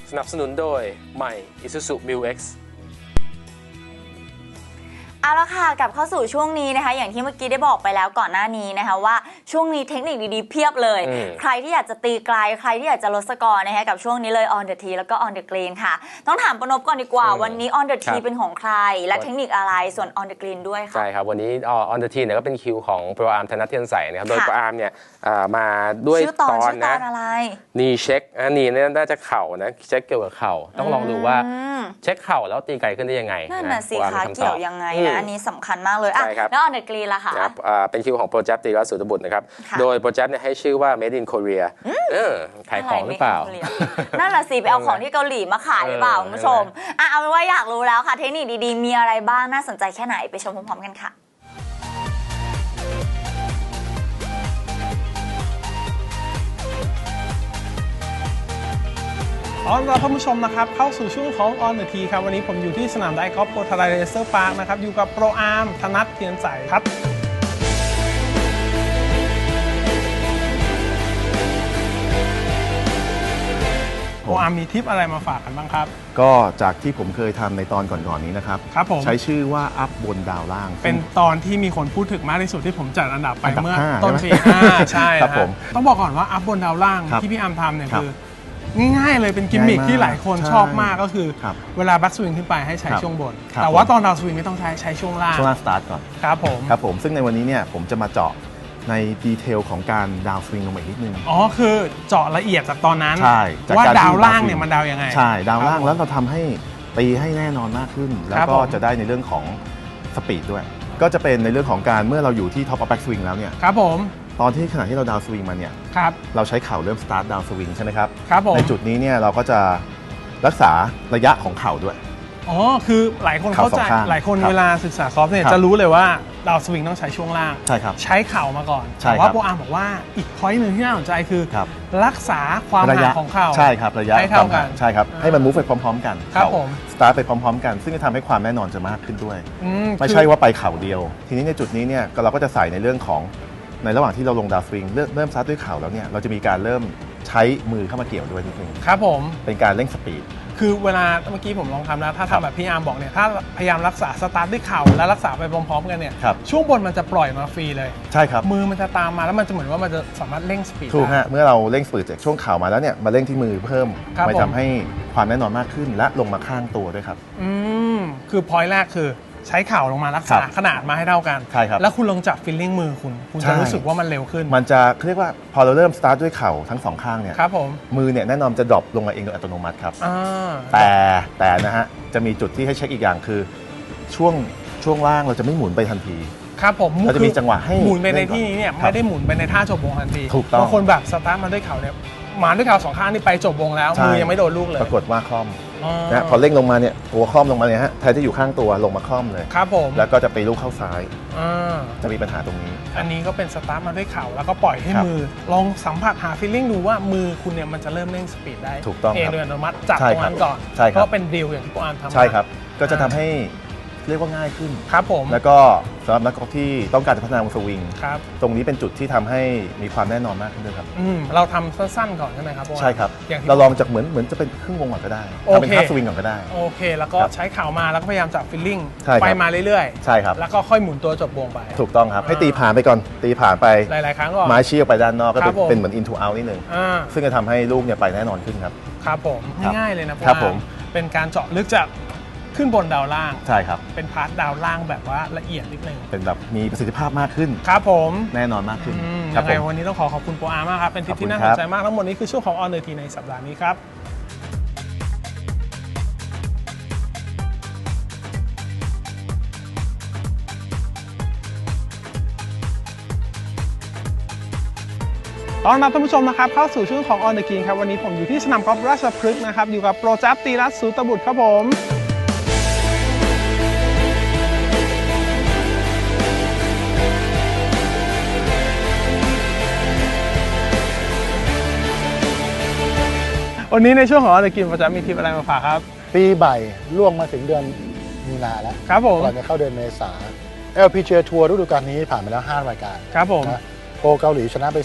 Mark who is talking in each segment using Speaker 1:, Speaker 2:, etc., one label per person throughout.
Speaker 1: สนับสนุนโดยใหม่ Isuzu Mu-X
Speaker 2: เอาละค่ะกลับเข้าสู่ช่วงนี้นะคะอย่างที่เมื่อกี้ได้บอกไปแล้วก่อนหน้านี้นะคะว่าช่วงนี้เทคนิคดีๆเพียบเลยใครที่อยากจะตีไกลใครที่อยากจะลดสกอร์นะคะกับช่วงนี้เลย on the tee แล้วก็ on the green ค่ะต้องถามปนพก่อนดีกว่าวันนี้ on the tee เป็นของใครและเทคนิคอะไรส่วน on the green ด้วยค่ะ
Speaker 1: ใช่ครับวันนี้ on the tee เนี่ยก็เป็นคิวของโปรอาร์มธนัทเทียนใสนะครับโดยโปรอาร์มเนี่ยมาด้วยตอนนะนี่เช็คนี่น่าจะเข่านะเช็คเกี่ยวกับเข่าต้องลองดูว่าเช็คเข่าแล้วตีไกลขึ้นได้ยังไง
Speaker 2: นั่นน่ะสิคะเกี่ยวยังไงนะอันนี้สำคัญมากเลยแล้ว on the green ล่ะคะ
Speaker 1: เป็นคิวของโปรเจกต์ตีรัสสุตบุตรนะครับโดยโปรเจกต์เนี่ยให้ชื่อว่า Made in Korea ขายของหรือเปล่า
Speaker 2: นั่นแหละสิไปเอาของที่เกาหลีมาขายหรือเปล่าคุณผู้ชมเอาเป็นว่าอยากรู้แล้วค่ะเทคนิคดีๆมีอะไรบ้างน่าสนใจแค่ไหนไปชมพร้อมๆกันค่ะ
Speaker 3: ต้อนรับท่านผู้ชมนะครับเข้าสู่ช่วงของ On the Tee ครับวันนี้ผมอยู่ที่สนามไดกอล์ฟโปรทาราเรเซอร์พาร์คนะครับอยู่กับโปรอาร์มธนัทเทียนใสครับโปรอาร์มมีทิปอะไรมาฝากกันบ้างครับ
Speaker 4: ก็จากที่ผมเคยทำในตอนก่อนๆนี้นะครับใช้ชื่อว่าอัพบนดาวล่าง
Speaker 3: เป็นตอนที่มีคนพูดถึงมากที่สุดที่ผมจัดอันดับไปเมื่อต้นปีใช่ครับผมต้องบอกก่อนว่าอัพบนดาวล่างที่พี่อาร์มทำเนี่ยคือง่ายๆเลยเป็นกิมมิคที่หลายคนชอบมากก็คือเวลาแบ็กสวิงขึ้นไปให้ใช้ช่วงบนแต่ว่าตอนดาวสวิงไม่ต้องใช้ช่วงล่าง
Speaker 4: สตาร์ทก่อน
Speaker 3: ครับ
Speaker 4: ผมซึ่งในวันนี้เนี่ยผมจะมาเจาะในดีเทลของการดาวสวิงลงไปนิดนึง
Speaker 3: คือเจาะละเอียดจากตอนนั้น
Speaker 4: ใช่
Speaker 3: ว่าดาวล่างเนี่ยมันดาวยังไง
Speaker 4: ใช่ดาวล่างแล้วเราทำให้ตีให้แน่นอนมากขึ้นแล้วก็จะได้ในเรื่องของสปีดด้วยก็จะเป็นในเรื่องของการเมื่อเราอยู่ที่ท็อปอัพแบ็กสวิงแล้วเนี่ย
Speaker 3: ครับผม
Speaker 4: ตอนที่ขณะที่เราดาวสวิงมาเนี่ยเราใช้เข่าเริ่มสตาร์ทดาวสวิงใช่ไหมครับในจุดนี้เนี่ยเราก็จะรักษาระยะของเข่าด้วย
Speaker 3: คือหลายคนเข้าใจหลายคนเวลาศึกษากอล์ฟเนี่ยจะรู้เลยว่าดาวสวิงต้องใช้ช่วงล่าง
Speaker 4: ใช่ครับ
Speaker 3: ใช้เข่ามาก่อนแต่ว่าโปรอาร์มบอกว่าอีกพอยต์หนึ่งที่น่าสนใจคือรักษาความห่างของเข่า
Speaker 4: ใช่ครับระยะ
Speaker 3: ให้เท่ากัน
Speaker 4: ใช่ครับให้มันมูฟไปพร้อมๆกัน
Speaker 3: ครับผม
Speaker 4: สตาร์ทไปพร้อมๆกันซึ่งจะทำให้ความแน่นอนจะมากขึ้นด้วยไม่ใช่ว่าไปเข่าเดียวทีนี้ในจุดนี้เนี่ยเราก็จะใส่ในเรื่องของในระหว่างที่เราลงดาวสวิงเริ่มซัดด้วยเข่าแล้วเนี่ยเราจะมีการเริ่มใช้มือเข้ามาเกี่ยวด้วยนิดนึง
Speaker 3: ครับผม
Speaker 4: เป็นการเร่งสปีด
Speaker 3: คือเวลาเมื่อกี้ผมลองทำแล้วถ้าทำแบบพี่อาร์มบอกเนี่ยถ้าพยายามรักษาสตาร์ทด้วยเข่าและรักษาไปพร้อมๆกันเนี่ยช่วงบนมันจะปล่อยมาฟรีเลย
Speaker 4: ใช่ครับ
Speaker 3: มือมันจะตามมาแล้วมันจะเหมือนว่ามันจะสามารถเร่งสปีด
Speaker 4: ถูกฮะเมื่อเราเร่งสปีดจากช่วงเข่ามาแล้วเนี่ยมาเร่งที่มือเพิ่มไปทำให้ความแน่นอนมากขึ้นและลงมาข้างตัวด้วยครับ
Speaker 3: คือพอยต์แรกคือใช้เข่าลงมารักษาขนาดมาให้เท่ากัน
Speaker 4: ใช่ครับ
Speaker 3: แล้วคุณลองจับฟีลลิ่งมือคุณจะรู้สึกว่ามันเร็วขึ้น
Speaker 4: มันจะเรียกว่าพอเราเริ่มสตาร์ทด้วยเข่าทั้งสองข้างเนี่ย
Speaker 3: ครับผม
Speaker 4: มือเนี่ยแน่นอนจะดรอปลงมาเองโดยอัตโนมัติครับแต่นะฮะจะมีจุดที่ให้เช็คอีกอย่างคือช่วงล่างเราจะไม่หมุนไปทันที
Speaker 3: ครับผม
Speaker 4: เราจะมีจังหวะให้
Speaker 3: หมุนไปในที่นี้เนี่ยไม่ได้หมุนไปในท่าจบวงทันที
Speaker 4: ถูกต้อง
Speaker 3: บางคนแบบสตาร์ทมาด้วยเข่าเนี่ยมาด้วยเข่าสองข้างนี่ไปจบวงแล้วมือยังไม่โดนลูกเลย
Speaker 4: ปรากฏว่าคล่อมนะพอเร่งลงมาเนี่ยตัวคล่อมลงมาเนี่ยฮะแทนที่อยู่ข้างตัวลงมาคล่อมเลย
Speaker 3: ครับผม
Speaker 4: แล้วก็จะไปลูกเข้าซ้ายจะมีปัญหาตรงนี้
Speaker 3: อันนี้ก็เป็นสตาร์ทมาด้วยเข่าแล้วก็ปล่อยให้มือลองสัมผัสหาฟีลลิ่งดูว่ามือคุณเนี่ยมันจะเริ่มเร่งสปีดได้
Speaker 4: ถูกต้อง
Speaker 3: เองโดยอัตโนมัติจับตรงนั้นก่อนเพราะเป็นดิวอย่างที่โปรอาร์มทำ
Speaker 4: ใช่ครับก็จะทำให้เรียกว่าง่ายขึ้น
Speaker 3: ครับผม
Speaker 4: แล้วก็สำหรับนักกอล์ฟที่ต้องการจะพัฒนาวงสวิงตรงนี้เป็นจุดที่ทำให้มีความแน่นอนมากขึ้นด้วยครับ
Speaker 3: เราทำสั้นๆก่อนใช่ไหมครับ
Speaker 4: ใช่ครับเราลองจากเหมือนจะเป็นครึ่งวงก่อนก็ได้ทำเป็นฮาร์ฟสวิงก่อนก็ได้
Speaker 3: โอเคแล้วก็ใช้เข่ามาแล้วก็พยายามจับฟีลลิ่งไปมาเรื่อย
Speaker 4: ๆใช่ครับ
Speaker 3: แล้วก็ค่อยหมุนตัวจบวงไป
Speaker 4: ถูกต้องครับให้ตีผ่านไปก่อนตีผ่านไป
Speaker 3: หลายๆครั้งก่อน
Speaker 4: ไม้ชี้ออกไปด้านนอกก็เป็นเหมือน into out นิดนึงซึ่งจะทำให้ลูกเนี่ยไปแน่นอนขึ้นครับ
Speaker 3: ครับผมง่ายเลยนะครับผมเป็นการเจาะลึกจากขึ้นบนดาวล่าง
Speaker 4: ใช่ครับ
Speaker 3: เป็นพาร์ทดาวล่างแบบว่าละเอียดนิดนึง
Speaker 4: เป็นแบบมีประสิทธิภาพมากขึ้น
Speaker 3: ครับผม
Speaker 4: แน่นอนมากขึ้น
Speaker 3: ยังไงวันนี้ต้องขอบคุณโปรอาร์มากครับเป็นทิปที่น่าสนใจมากทั้งหมดนี้คือช่วงของ On the Tee ในสัปดาห์นี้ครับตอนรับท่านผู้ชมนะครับเข้าสู่ช่วงของ On the Green ครับวันนี้ผมอยู่ที่สนามกอล์ฟราชพฤกษ์นะครับอยู่กับโปรเจกต์ตีรัตน์ สูตบุตรครับผมวันนี้ในช่วงของ On the Green โปรเจกต์มีทิปอะไรมาฝากครับ
Speaker 5: ปีใหม่ล่วงมาถึงเดือนมีนาแล้ว
Speaker 3: ครับผม
Speaker 5: ก่อนจะเข้าเดือนเมษา LPGA ทัวร์ฤดูกาลนี้ผ่านไปแล้ว5 รายการ
Speaker 3: ครับผม
Speaker 5: โปรเกาหลีชนะไป4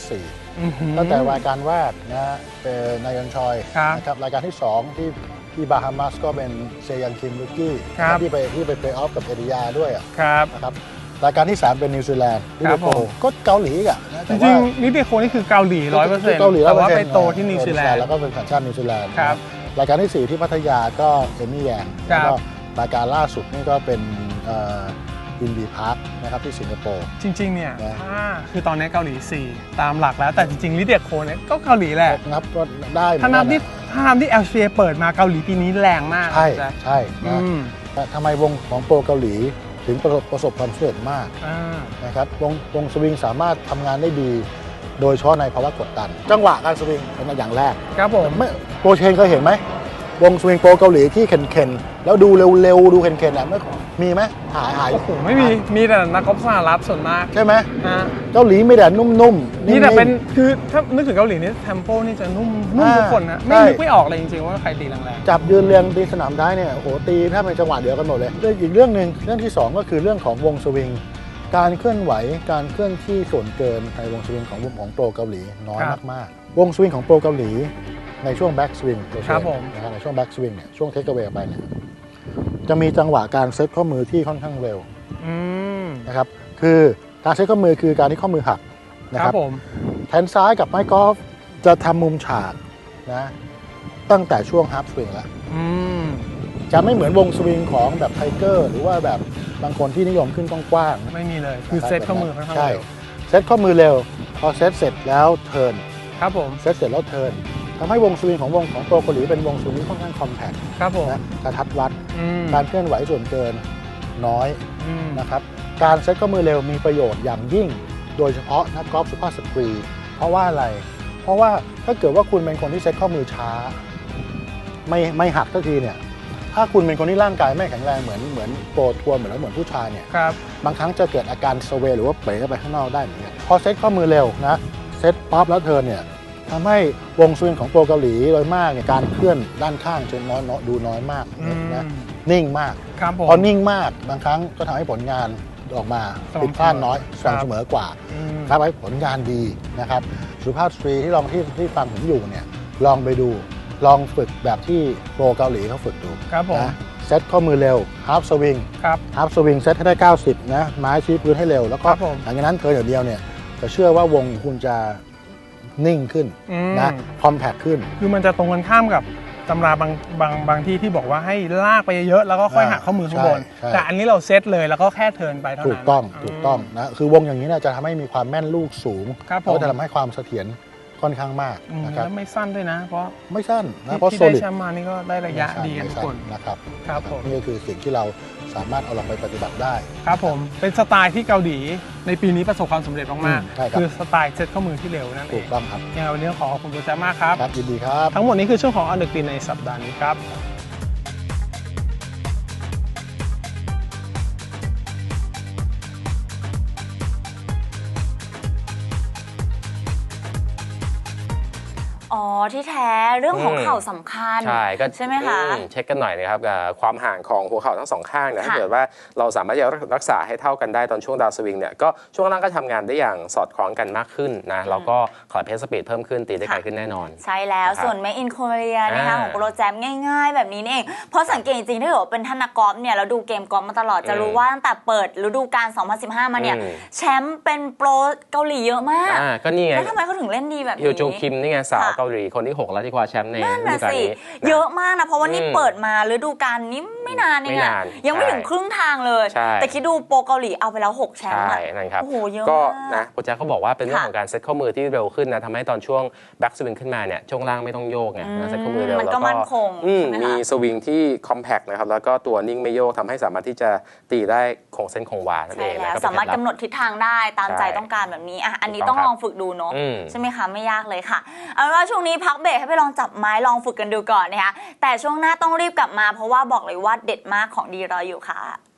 Speaker 5: ตั้งแต่รายการแรกนะเป็นนายอนชอยนะครับรายการที่2ที่บาฮามาสก็เป็นเซยังคิมลูกี้ที่ไปเพลย์ออฟกับเอริยาด้วยนะครับรายการที่3เป็นนิวซีแลนด์นิเดโคก็เกาหลีอ่ะ
Speaker 3: จริงๆนิเดโคนี่คือเกาหลี 100% แต่ว่าไปโตที่นิวซีแลนด์
Speaker 5: แล้วก็เป็นสัญชาตินิวซีแลนด์รายการที่4ที่พัทยาก็เอมี่แยงแล้วก็รายการล่าสุดนี่ก็เป็นอินดีพาร์คนะครับที่สิงคโปร์
Speaker 3: จริงๆเนี่ยถ้าคือตอนนี้เกาหลี4ตามหลักแล้วแต่จริงๆลิเดียโคเนี่ยก็เกาหลีแหละ
Speaker 5: นับก็ได้
Speaker 3: ถ้านับที่ LCA เปิดมาเกาหลีปีนี้แรงมาก
Speaker 5: ใช่ทำไมวงของโปรเกาหลีถึงประสบความสำเร็จมากนะครับวงสวิงสามารถทำงานได้ดีโดยเฉพาะในภาวะกดดันจังหวะการสวิงเป็นอย่างแรก
Speaker 3: ครับผม
Speaker 5: โปรเชนเคยเห็นไหมวงสวิงโปรเกาหลีที่เข็นแล้วดูเร็วๆดูเข็นๆมีไหมหาย
Speaker 3: โอ้โหไม่มีแต่นักกอล์ฟสหรัฐส่วนมาก
Speaker 5: ใช่ไหมเกาหลีไม่แต่นุ่มๆ
Speaker 3: นี่แต่เป็นคือถ้านึกถึงเกาหลีนี่เทมโปนี่จะนุ่มทุกคนนะไม่นึกไม่ออกเลยจริงๆว่าใครตีแรง
Speaker 5: ๆจับยืนเรียงตีสนามได้เนี่ยโอ้โหตีถ้าเป็นจังหวะเดียวกันหมดเลยอีกเรื่องหนึ่งเรื่องที่2ก็คือเรื่องของวงสวิงการเคลื่อนไหวการเคลื่อนที่ส่วนเกินในวงสวิงของโปรเกาหลีน้อยมากๆวงสวิงของโปรเกาหลีในช่วงแบ็กสวิงในช่วงแบ็กสวิงเนี่ยช่วงเทคเอาเวย์ไปเนี่ยจะมีจังหวะการเซตข้อมือที่ค่อนข้างเร็วนะครับคือการเซตข้อมือคือการที่ข้อมือหักนะครับแขนซ้ายกับไม้กอล์ฟจะทำมุมฉากนะตั้งแต่ช่วงฮาร์ฟสวิงแล้วจะไม่เหมือนวงสวิงของแบบไทเกอร์หรือว่าแบบบางคนที่นิยมขึ้นกว้าง
Speaker 3: ๆไม่มีเลยคือเซตข้อมือค่อนข้างเร็ว
Speaker 5: เซตข้อมือเร็วพอเซตเสร็จแล้วเทิร์น
Speaker 3: ครับผม
Speaker 5: เซตเสร็จแล้วเทิร์นทำให้วงสวิงของโปรเกาหลีเป็นวงสวิงที่ค่อนข้างคอมแพค
Speaker 3: ครับผม
Speaker 5: นะกระทัดรัดการเคลื่อนไหวส่วนเกินน้อยนะครับการเซตข้อมือเร็วมีประโยชน์อย่างยิ่งโดยเฉพาะนักกอล์ฟสุภาพสตรีเพราะว่าอะไรเพราะว่าถ้าเกิดว่าคุณเป็นคนที่เซตข้อมือช้าไม่หักสักทีเนี่ยถ้าคุณเป็นคนที่ร่างกายไม่แข็งแรงเหมือนโปรทัวร์เหมือนผู้ชายเนี่ยบางครั้งจะเกิดอาการสเวย์หรือว่าเป๋ไปข้างนอกได้เหมือนกันพอเซตข้อมือเร็วนะเซตป๊อปแล้วเทิร์นเนี่ยทำให้วงสวิงของโปรเกาหลีโดยมากเนี่ยการเคลื่อนด้านข้างจะดูน้อยมากนะนิ่งมากพอนิ่งมากบางครั้งก็ทำให้ผลงานออกมาผิดพลาดน้อยสม่ำเสมอกว่าทำให้ผลงานดีนะครับสุภาพสตรีที่ฟังผมอยู่เนี่ยลองไปดูลองฝึกแบบที่โปรเกาหลีเขาฝึกดูนะเซตข้อมือเร็วฮาร์ฟสวิงเซตให้ได้90นะไม้ชี้พื้นให้เร็วแล้วก็หลังจากนั้นเธออย่างเดียวเนี่ยจะเชื่อว่าวงคุณจะนิ่งขึ้นนะคอมแพคขึ้น
Speaker 3: คือมันจะตรงกันข้ามกับตำราบางที่บอกว่าให้ลากไปเยอะแล้วก็ค่อยหักข้อมือข้างบนแต่อันนี้เราเซตเลยแล้วก็แค่เทิร์นไปเท่านั้น
Speaker 5: ถูกต้องนะคือวงอย่างนี้เนี่ยจะทำให้มีความแม่นลูกสูงแล้วจะทำให้ความเสถียรค่อนข้างมาก
Speaker 3: นะครับแล้วไม่สั้นด้วยนะเพราะ
Speaker 5: ไม่สั้นนะเพราะ
Speaker 3: โซลิดที่ได้แชมป์มานี่ก็ได้ระยะดีทุกคน
Speaker 5: นะครับ
Speaker 3: ผม
Speaker 5: นี่ก็คือสิ่งที่เราสามารถเอาลงไปปฏิบัติได้
Speaker 3: ครับผมเป็นสไตล์ที่เกาหลีในปีนี้ประสบความสำเร็จมากๆคือสไตล์เซตข้อมือที่เร็วนั่นเอง
Speaker 5: ถูกต้องครับ
Speaker 3: ยังไงวันนี้ขอขอบคุณโปรแจมากครับ
Speaker 5: ยินดีครับ
Speaker 3: ทั้งหมดนี้คือช่วงของอันเดอร์กรีนในสัปดาห์นี้ครับ
Speaker 2: อ๋อที่แท้เรื่องของเข่าสำคัญใช่ไหมคะ
Speaker 1: เช็คกันหน่อยนะครับความห่างของหัวเข่าทั้งสองข้างนะถ้าเกิดว่าเราสามารถจะรักษาให้เท่ากันได้ตอนช่วงดาวสวิงเนี่ยก็ช่วงล่างก็ทำงานได้อย่างสอดคล้องกันมากขึ้นนะแล้วก็ขอเพสสปีดเพิ่มขึ้นตีได้ไกลขึ้นแน่นอน
Speaker 2: ใช่แล้วส่วนเมอินโคเรียนะคะของโปรแจมง่ายๆแบบนี้เองเพราะสังเกตจริงๆถ้าเกิดเป็นท่านนักกอล์ฟเนี่ยเราดูเกมกอล์ฟมาตลอดจะรู้ว่าตั้งแต่เปิดฤดูกาล2015มาเนี่ยแชมป์เป็นโปรเกาหลีเยอะมาก
Speaker 1: ก็นี่ไง
Speaker 2: แล้วทำไมเขาถึงเล่นดีแบบนี้
Speaker 1: ฮิวจงคิมนี่ไงสาวเกาหลีคนที่6แล้วที่คว้าแชมป์ในฤดูกาลนี้
Speaker 2: เยอะมากนะเพราะว่านี่เปิดมาฤดูกาลนี้ไม่นานเองยังไม่ถึงครึ่งทางเลยแต่คิดดูโปรเกาหลีเอาไปแล้ว6แชมป์
Speaker 1: ใช่นั่นครับ
Speaker 2: โอ้โหเยอะ
Speaker 1: ก็นะโปรแจ็คเขาบอกว่าเป็นเรื่องของการเซตข้อมือที่เร็วขึ้นนะทำให้ตอนช่วงแบ็กสวิงขึ้นมาเนี่ยช่วงล่างไม่ต้องโยกไงเซตข้อมือเร็วแล้วก็มีสวิงที่คอมแพคนะครับแล้วก็ตัวนิ่งไม่โยกทำให้สามารถที่จะตีได้คงเส้นคงวานั่นเองนะ
Speaker 2: สามารถกำหนดทิศทางได้ตามใจต้องการแบบนี้อันนี้ต้องลองฝึกดูเนาะใช่ไหมคะไม่ยากเลยค่ะเอาเป็นว่าช่วงนี้พักเบรกให้ไปลองจับไม้ลองฝึกกันดูก่อนนะคะแต่ช่วงหน้าต้องรีบกลับมาเพราะว่าบอกเลยว่าเด็ดมากของดีรออยู่ค่ะ